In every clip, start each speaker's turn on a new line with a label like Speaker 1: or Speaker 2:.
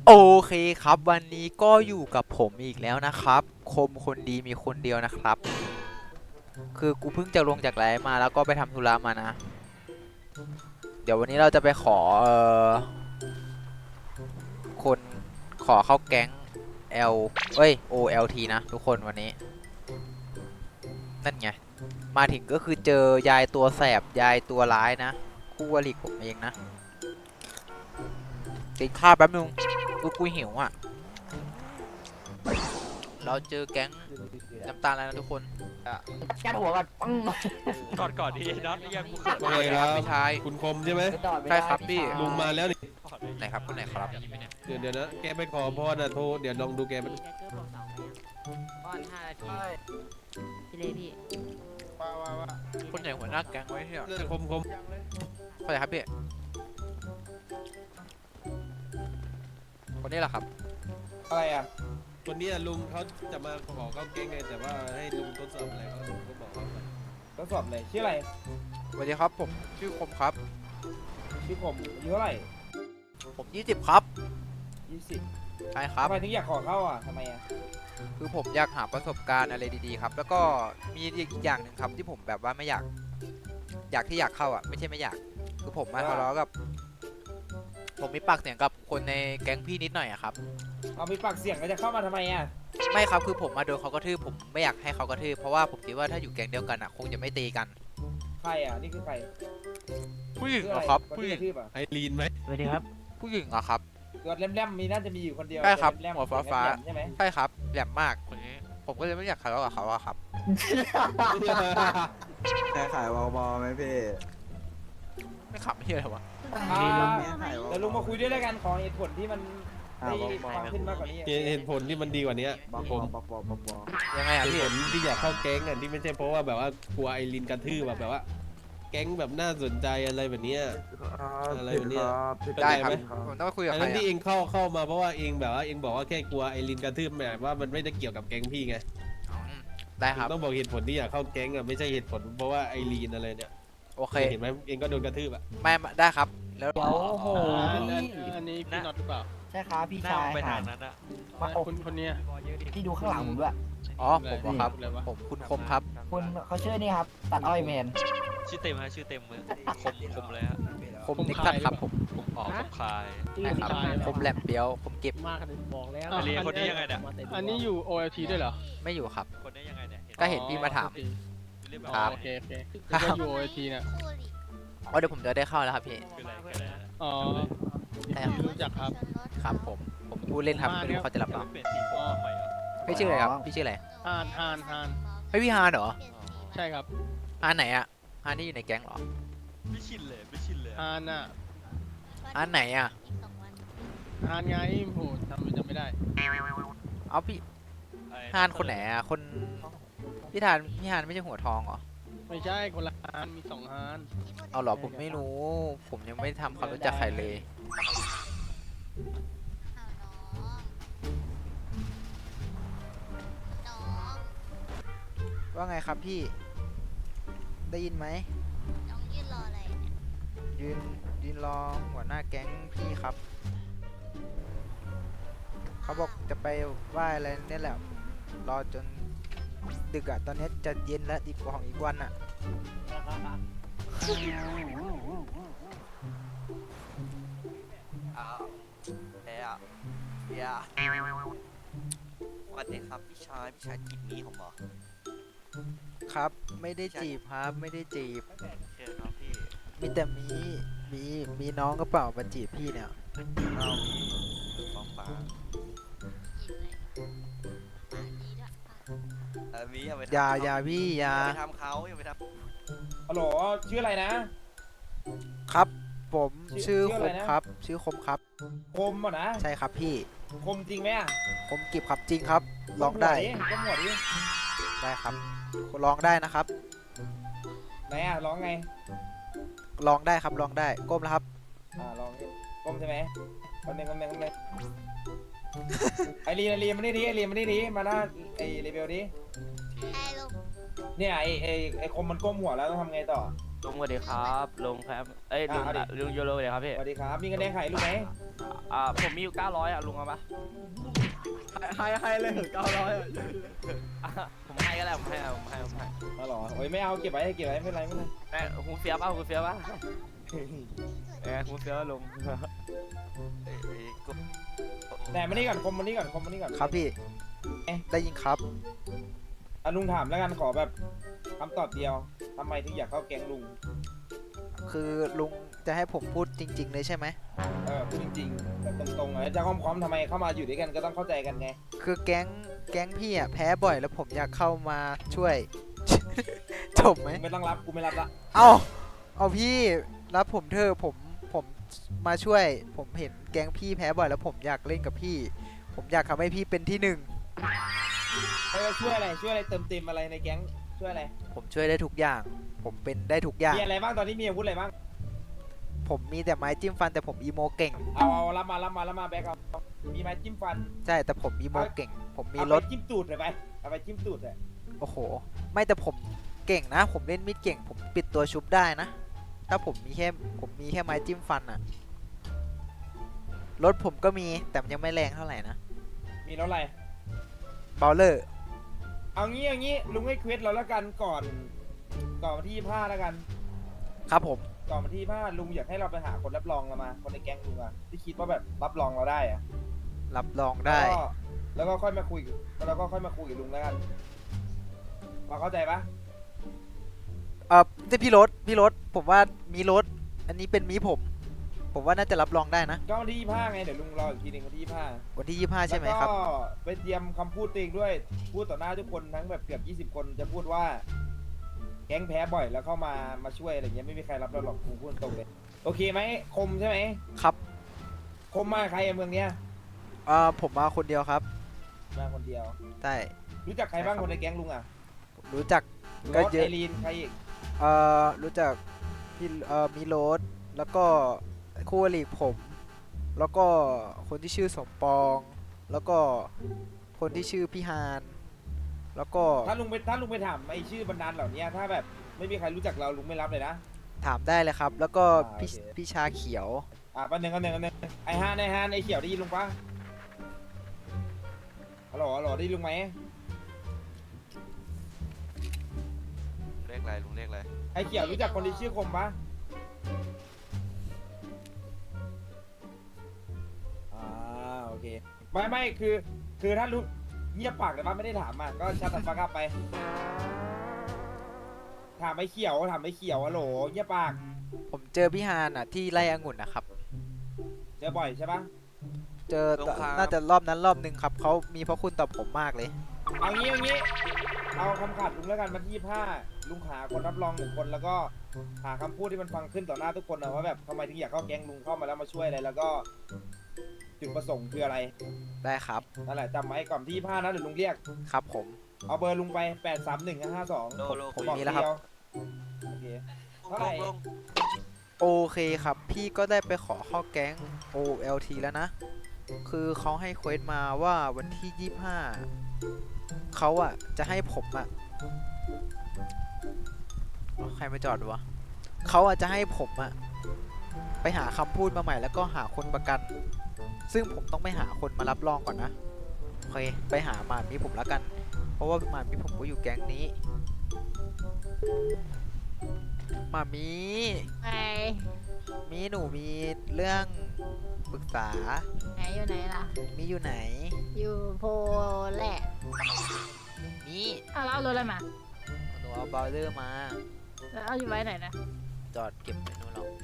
Speaker 1: โอเคครับวันนี้ก็อยู่กับผมอีกแล้วนะครับคมคนดีมีคนเดียวนะครับคือกูเพิ่งจะลงจากไลฟ์มาแล้วก็ไปทำธุระมานะเดี๋ยววันนี้เราจะไปขอคนขอเข้าแก๊ง L เอ้ย OLT นะทุกคนวันนี้นั่นไงมาถึงก็คือเจอยายตัวแสบยายตัวร้ายนะคู่วลิกผมเองนะกินข้าวแป๊บนึงกูหิวอ่ะเราเจอแก๊งน้ำตาลแล้วนะทุกคน
Speaker 2: แค่หัวก่อนปัง
Speaker 3: ก่อนดีน็อตยังกูเขิน
Speaker 4: ว่าไงครับ
Speaker 1: พี่ชาย
Speaker 4: คุณคมใช่ไหม
Speaker 1: ใช่ครับพี่
Speaker 4: ลุงมาแล้วนี่
Speaker 1: ไหนครับคนไหนครับ
Speaker 4: เดี๋ยวนะแกไปขอพรนะโทรเดี๋ยวลองดูแกมัน
Speaker 2: ป้อน5 นาทีพี่เลพี่
Speaker 1: คนไหนหัวหน้าแก๊งไว้ที่
Speaker 4: เรื่องคม
Speaker 1: คนไหนครับพี่คนนี้แหละครับ
Speaker 5: อะไรอ่ะ
Speaker 4: คนนี้ลุงเขาจะมาขอเข้าเก้งไงแต่ว่าให้ลุงทดสอบอะไรก็ลุงก็บอกเขาไป
Speaker 5: ทดสอบเลยชื่ออะไร
Speaker 1: สวัสดีครับผมชื่อคมครับ
Speaker 5: ชื่อผมอายุเท่าไหร่
Speaker 1: ผม20ครับ
Speaker 5: 20
Speaker 1: ใช่ครับ
Speaker 5: ทำไมถึงอยากขอเข้าอ่ะทำไมอ่ะ
Speaker 1: คือผมอยากหาประสบการณ์อะไรดีๆครับ แล้วก็มีอีกอย่างหนึ่งครับที่ผมแบบว่าไม่อยากที่อยากเข้าอ่ะไม่ใช่ไม่อยากคือผมมาทะเลาะกับผมมีปากเสียงกับคนในแก๊งพี่นิดหน่อยอะครับ
Speaker 5: เอามีปากเสียงก็จะเข้ามาทำไมอ่ะ
Speaker 1: ไม่ครับคือผมมาโดนเขากระทืบผมไม่อยากให้เขากระทืบเพราะว่าผมคิดว่าถ้าอยู่แก๊งเดียวกันอ่ะคงจะไม่ตีกัน
Speaker 5: ใครอ่ะนี่คือใคร
Speaker 1: ผู้หญิง
Speaker 5: ชื่อ
Speaker 1: เหร
Speaker 5: อะ
Speaker 1: อ
Speaker 5: ไร
Speaker 1: ครับ
Speaker 5: คน
Speaker 1: ผู้ห
Speaker 5: ที่
Speaker 1: ญิง
Speaker 5: กระทืบอ่ะ
Speaker 4: ไอรีนไหม
Speaker 2: สวัสดีครับ
Speaker 1: ผู้หญิงเหรอครับ
Speaker 5: ตัวแหลมๆมีน่าจะมีอยู่คนเดียว
Speaker 1: ใช่ครับ
Speaker 5: แลมๆ
Speaker 1: หัวฟ้าๆ
Speaker 5: แหลมๆใช่ไหม
Speaker 1: ใช่ครับแหลมมากคนนี้ผมก็เลยไม่อยากทะเลาะกับเขาอะครับ
Speaker 6: แค่ขายวอลบอลไหมพี่
Speaker 1: ไม่ขับไม่ใช่เลยวะ
Speaker 5: อ่า
Speaker 6: ขายวอล
Speaker 5: เดี๋ยวลุงมาคุยด้วยแล้วกันขอเหตุผลที่มันได้ความขึ้นมากกว่านี้
Speaker 4: เหตุผลที่มันดีกว่านี้
Speaker 6: บอล
Speaker 4: ผม
Speaker 6: บอลบอลบอลบอล
Speaker 1: ยังไงอะ
Speaker 4: เหตุ
Speaker 1: พี่
Speaker 4: ผลที่อยากเข้าแก๊งอ่ะที่ไม่ใช่เพราะว่าแบบว่ากลัวไอรีนกระทืบแบบว่า แก๊งแบบน่าสนใจอะไรแบบเนี้ย อะไรวะเนี่ย
Speaker 1: ได้ครับ
Speaker 4: ไหม
Speaker 1: ผมต้องไปคุยกับ
Speaker 4: อัน
Speaker 1: ใคร
Speaker 4: นั้นที่
Speaker 1: อะ
Speaker 4: เองเข้ามาเพราะว่าเองแบบว่าเองบอกว่าแค่กลัวไอรีนกระทืบแบบว่ามันไม่ได้เกี่ยวกับแก๊งพี่ไง
Speaker 1: อืมได้ครับ
Speaker 4: ต้องบอกเหตุผลที่อยากเข้าแก๊งอ่ะไม่ใช่เหตุผลเพราะว่าไอรีนอะไรเนี่ย
Speaker 1: โอเค
Speaker 4: เห็นไหมเองก็โดนกระทืบอ่ะ
Speaker 1: ไม่ได้ครับแล้ว
Speaker 2: เดี๋ยวโอ้โห
Speaker 3: อันนี้พี่น็อตหรือเปล่า
Speaker 2: ใช่ครับพี่
Speaker 3: หน้า
Speaker 2: ชาย
Speaker 3: ไป
Speaker 2: ค่ะ
Speaker 3: ทางนั้นอะ
Speaker 2: มาโอ้
Speaker 3: คนเนี้ย
Speaker 2: พี่ดูข้างหลังผมด้วย
Speaker 1: อ๋อผมเหรอครับ
Speaker 3: อะไรวะ
Speaker 1: ผมคุณคมครับ
Speaker 2: คุณเขาชื่อนี่ครับ ตัดอ้อยแมน
Speaker 3: ชื่อเต็มฮะชื่อเต็มเลยคมเลยฮะ
Speaker 1: คมนิกตัดครับผม
Speaker 3: ผมออกคมคาย
Speaker 1: ใช่ครับคมแหลมเปียวคมเก็บ
Speaker 3: ไอเรียคนนี้ยังไงเนี่ย
Speaker 7: อันนี้อยู่ OLT ด้วยเหรอ
Speaker 1: ไม่อยู่ครับ
Speaker 3: คนนี้ยังไงเนี่ย
Speaker 1: ก็เห็นพี่มาถาม
Speaker 3: เรียกแบบ
Speaker 1: ครับ
Speaker 7: โอเคโอเค
Speaker 1: ครับ
Speaker 7: ก็อยู่ OLT เนี่ย
Speaker 1: อ๋อเดี๋ยวผมจะได้เข้าแล้วครับพี่
Speaker 3: คืออะไร
Speaker 7: อ๋อ
Speaker 1: ใช่ครับ
Speaker 7: รู้จักครับ
Speaker 1: ครับผมพูดเล่นครับไม่รู้เขาจะรับเปล่า
Speaker 3: เปลี่ยนสีผมทำไมอ่ะ
Speaker 1: พี่ชื่ออะไรครับพี่ชื่ออะไร
Speaker 7: ฮานฮานฮาน
Speaker 1: เฮ้ยพี่ฮานเหรอ
Speaker 7: ใช่ครับ
Speaker 1: ฮานไหนอะฮานที่อยู่ในแก๊งเหรอ
Speaker 3: ไม่ชินเลย
Speaker 7: ฮานน่ะ
Speaker 1: ฮานไหนอะ
Speaker 7: ฮานไงโหจำไม่ได้
Speaker 1: เอาพี่ฮานคนไหนอะคนพี่ฮานไม่ใช่หัวทองเหรอ
Speaker 7: ไม่ใช่คนละฮานมี2ฮาน
Speaker 1: เอาเหรอผมไม่รู้ ผมยังไม่ทำความรู้จักใครเลย ว่าไงครับพี่ ได้ยินไหม
Speaker 8: น้องยืนรออะไรเนี่ย
Speaker 1: ยืนรอหัวหน้าแก๊งพี่ครับ เขาบอกจะไปไหว้อะไรเนี่ยแหละ รอจนดึกอะตอนนี้จะเย็นแล้วอีกของอีกวันอะ
Speaker 9: อ้าวเฮียเฮียสวัสดีครับพี่ชายจีบนี้ผมเหรอ
Speaker 1: ครับ ไม่ได้จีบครับไม่ได้จีบ
Speaker 9: โอเคครับพี่
Speaker 1: มีแต่มีน้องก็เปล่ามาจีบพี่เนี่ย
Speaker 9: เอาพี่ฟ้องฟ้า
Speaker 8: กินอะไรปากดีด้วยปาก
Speaker 9: มีอย่าไป
Speaker 1: อย่าพี่อย่า
Speaker 9: ไปทำเขาอย่าไปท
Speaker 5: ฮัลโหลชื่ออะไรนะครับ
Speaker 1: ผมชื่อ
Speaker 5: ชื่อ
Speaker 1: ค
Speaker 5: อะไร
Speaker 1: ม
Speaker 5: นะ
Speaker 1: ครับ ชื่อคมครับ
Speaker 5: คมอ่ะนะ
Speaker 1: ใช่ครับพี่
Speaker 5: คมจริงไหมอ่ะ
Speaker 1: คมกิบครับจริงครับลองได้
Speaker 5: ก้มหัวดิ
Speaker 1: ได้ครับลองได้นะครับ
Speaker 5: ไหนอ่ะร้องไง
Speaker 1: ลองได้ครับลองได้ก้มแล้วครับ
Speaker 5: ลองดิก้มใช่ไหมคนหนึ่งไอรีนมานี่ดิไอรีนมานี่ดิมาหน้าไอรีเบลดิ
Speaker 8: ไอ้ลุง
Speaker 5: เนี่ยไอคมมันก้มหัวแล้วต้องทำไงต่อ
Speaker 10: ลุงสวัสดีครับลุงครับเอ้ยลุง
Speaker 5: เอาดิ
Speaker 10: ลุงโยโรสวัสดีครับพี่
Speaker 5: สวัสดีครับมีเงินแดงไข่ลูกไหม
Speaker 2: ผมมีอยู่900อ่ะลุงเอาปะ
Speaker 5: ให้เลย900อ่ะ
Speaker 2: ผมให้ก็ได้ผมให้
Speaker 5: มาหรอโอ้ยไม่เอาเก็บไว้ไม่เป็นไรไม่เป็นไร
Speaker 2: แม่คุณเฟียป่ะคุณเฟียป่ะคุณเฟียลุง
Speaker 9: กู
Speaker 5: แต่มานี่ก่อนคมมานี่ก่อน
Speaker 1: ครับพี่ได้ยินครับ
Speaker 5: ลุงถามแล้วกันขอแบบคำตอบเดียวทำไมถึงอยากเข้าแก๊งลุง
Speaker 1: คือลุงจะให้ผมพูดจริง ๆ เลยใช่ไหม
Speaker 5: พูดจริงๆแบบตรงๆจะค้อมๆทำไมเข้ามาอยู่ด้วยกันก็ต้องเข้าใจกันไง
Speaker 1: คือแก๊งพี่อ่ะแพ้บ่อยแล้วผมอยากเข้ามาช่วย จบไหม
Speaker 5: ไม่ต้องรับกูไม่รับละ
Speaker 1: เอาพี่รับผมเถอะผมมาช่วย ผมเห็นแก๊งพี่แพ้บ่อยแล้วผมอยากเล่นกับพี่ ผมอยากทำให้พี่เป็นที่หนึ่ง
Speaker 5: ช่วยอะไรเติมเต็มอะไรในแก๊งช่วยอะไร
Speaker 1: ผมช่วยได้ทุกอย่าง ผมเป็นได้ทุกอย่าง
Speaker 5: มีอะไรบ้างตอนนี้มีอาวุธอะไรบ้าง
Speaker 1: ผมมีแต่ไม้จิ้มฟันแต่ผมอีโมเก่ง
Speaker 5: เอารับมาแบกเอามีไม้จิ้มฟัน
Speaker 1: ใช่แต่ผมอีโมเก่ง ผมมี
Speaker 5: เอา
Speaker 1: ร
Speaker 5: ไป
Speaker 1: ถ
Speaker 5: จิ้มตูดเลยไปเอาไปจิ้มตูดเลย
Speaker 1: โอ้โห ไม่แต่ผมเก่งนะ ผมเล่นมีดเก่ง ผมปิดตัวชุบได้นะ ถ้าผมมีแค่ไม้จิ้มฟันอะรถผมก็มีแต่มันยังไม่แรงเท่าไหร่นะ
Speaker 5: มีรถอะไร
Speaker 1: เบลเลอร์
Speaker 5: เอางี้ลุงให้เควสเราแล้วกันก่อนวันที่25แล้วกัน
Speaker 1: ครับผม
Speaker 5: ก่อนวันที่25ลุงอยากให้เราไปหาคนรับรองเรามาคนในแก๊งลุงอะที่คิดว่าแบบรับรองเราได้อะ
Speaker 1: รับรองได้
Speaker 5: แล้วก็ค่อยมาคุยกับลุงแล้วกันพอเข้าใจปะ
Speaker 1: แต่พี่รถผมว่ามีรถ อันนี้เป็นมีผมว่าน่าจะรับรองได้นะ
Speaker 5: ก็วันที่25ไงเดี๋ยวลุงรออีกทีหนึงวันที่25
Speaker 1: วันที่25ใช่ไหมครับ
Speaker 5: แล้วก็ไปเตรียมคำพูดตัวเองด้วย พูดต่อหน้าทุกคนทั้งแบบเกือบ20 คนจะพูดว่า แก๊งแพ้บ่อยแล้วเข้ามาช่วยอะไรเงี้ยไม่มีใครรับเราหรอกผมพูดตรงเลยโอเคไหมคมใช่ไหม
Speaker 1: ครับ
Speaker 5: คมมาใครอะเมืองเนี้ย
Speaker 1: ผมมาคนเดียวครับ
Speaker 5: มาคนเดียว
Speaker 1: ใช่
Speaker 5: รู้จักใครบ้างคนในแก๊งลุงอะ
Speaker 1: ผมรู้จัก
Speaker 5: ร
Speaker 1: ก็
Speaker 5: ถ
Speaker 1: เย
Speaker 5: ไอ
Speaker 1: อะ
Speaker 5: รีนใครอีก
Speaker 1: รู้จักพี่มีโรสแล้วก็คู่อริผม แล้วก็คนที่ชื่อสมปอง แล้วก็คนที่ชื่อพี่ฮานแล้วก็
Speaker 5: ถ้าลุงไปถามไอชื่อบรรดาลเหล่านี้ถ้าแบบไม่มีใครรู้จักเราลุงไม่รับเลยนะ
Speaker 1: ถามได้เลยครับ แล้วก็
Speaker 5: โอเค
Speaker 1: พี่ชาเขียว
Speaker 5: ปันหนึ่งไอฮานไอเขียวได้ยินลุงปะฮัลโหลได้ยินลุงไหม
Speaker 9: เรียกอะไรลุงเรียกอะไร
Speaker 5: ไอเขียวรู้จักคนที่ชื่อคมปะโอเคไม่คือถ้ารู้เงียบปากแต่ว่าไม่ได้ถามอ่ะก็ชัดฟังกลับไป ถามไอเขียวฮัลโหลเงียบปาก
Speaker 1: ผมเจอพี่ฮานอ่ะที่ไร่องุ่นนะครับ
Speaker 5: เจอบ่อยใช่ปะ
Speaker 1: เจอน่าจะรอบนั้นรอบนึงครับเขามีพระคุณต่อผมมากเลย
Speaker 5: เอางี้เอาคำขาดลุงแล้วกันมาที่ลุงหาคนรับรอง1 คนแล้วก็หาคำพูดที่มันฟังขึ้นต่อหน้าทุกคนนะว่าแบบทำไมถึงอยากเข้าแก๊งลุงเข้ามาแล้วมาช่วยอะไรแล้วก็จุดประสงค์คืออะไร
Speaker 1: ได้ครับ
Speaker 5: นั่นแหละจำไว้ก่อนที่25นะเดี๋ยวลุงเรียก
Speaker 1: ครับผม
Speaker 5: เอาเบอร์ลุงไป83152
Speaker 9: โลโล
Speaker 1: ผม
Speaker 9: คุย
Speaker 1: มีแล้วครับ
Speaker 5: โอเค เท่าไหร่
Speaker 9: ลง
Speaker 1: โอเคครับ พี่ก็ได้ไปขอเข้าแก๊ง OLT แล้วนะ คือเขาให้เควสมาว่าวันที่ 25เขาอ่ะจะให้ผมอ่ะใครมาจอดวะเขาอ่ะจะให้ผมอ่ะไปหาคำพูดมาใหม่แล้วก็หาคนประกัน ซึ่งผมต้องไปหาคนมารับรองก่อนนะ โอเค ไปหาหมามีผมแล้วกัน เพราะว่าหมามีผมก็อยู่แก๊งนี้หมามี
Speaker 8: ไป
Speaker 1: มีหนูมีเรื่องปรึกษา
Speaker 8: ไหนอยู่ไหนล่ะ
Speaker 1: มีอยู่ไหน
Speaker 8: อยู่โพแหละ
Speaker 1: นี่
Speaker 8: เอาแล้วเอารถอะไรมา
Speaker 1: หนูเอาเบลเลอร์มา
Speaker 8: แล้วเอาอยู่ไว้ไหนนะ
Speaker 1: จอดเก็บไว้นู่นหรอก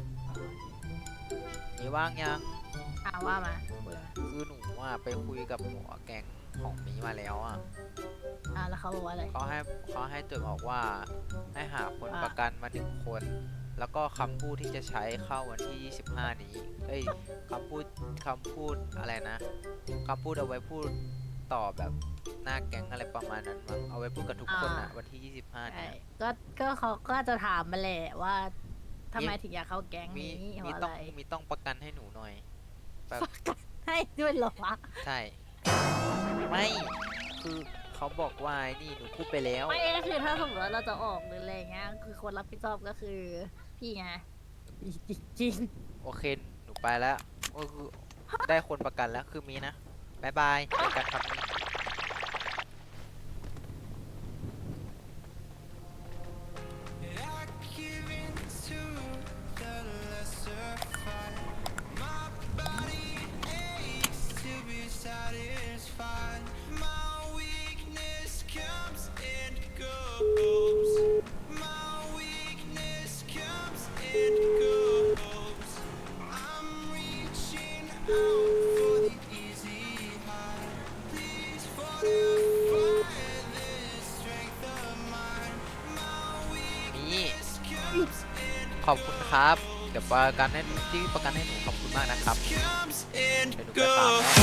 Speaker 1: มีว่างยัง
Speaker 8: ว่ามาคุยมา
Speaker 1: คือหนูอ่ะไปคุยกับหัวแก๊งของมีมาแล้วอ่ะ
Speaker 8: แล้วเขาบอกว่าอะไร
Speaker 1: เขาให้จดบอกว่าให้หาคน
Speaker 8: ว่า
Speaker 1: ประกันมา1 คน แล้วก็คำพูดที่จะใช้เข้าวันที่ 25 นี้ เอ้ยคำพูดอะไรนะคำพูดเอาไว้พูดต่อแบบหน้าแก๊งอะไรประมาณนั้นมั้งเอาไว้พูดกับทุกคนอ่ะวันที่ 25
Speaker 8: ใช่
Speaker 1: เนี่ย
Speaker 8: ก็เขาก็จะถามมาแหละว่าทำไมถึงอยากเข้าแก๊ง
Speaker 1: มี
Speaker 8: นี้เพ
Speaker 1: มี
Speaker 8: ราะอะ
Speaker 1: ต้อง
Speaker 8: ไร
Speaker 1: มีต้องประกันให้หนูหน่อยแบบ
Speaker 8: ให้ด้วยเหรอวะ
Speaker 1: ใช่ ไม่ คือเขาบอกว่าไอ้นี่หนูพูดไปแล้ว
Speaker 8: ไม่คือถ้าสมมติว่าเราจะออกหรืออะไรเงี้ยคือคนรับผิดชอบก็คือพี่ไงจริง
Speaker 1: โอเค หนูไปแล้วก็คือได้คนประกันแล้วคือมีนะบายบายเจอกันครับมี นี่ขอบคุณครับ เดี๋ยวประกันให้ที่ประกันให้หนูขอบคุณมากนะครับ เดี๋ยวหนูไปฟาร์มแล้ว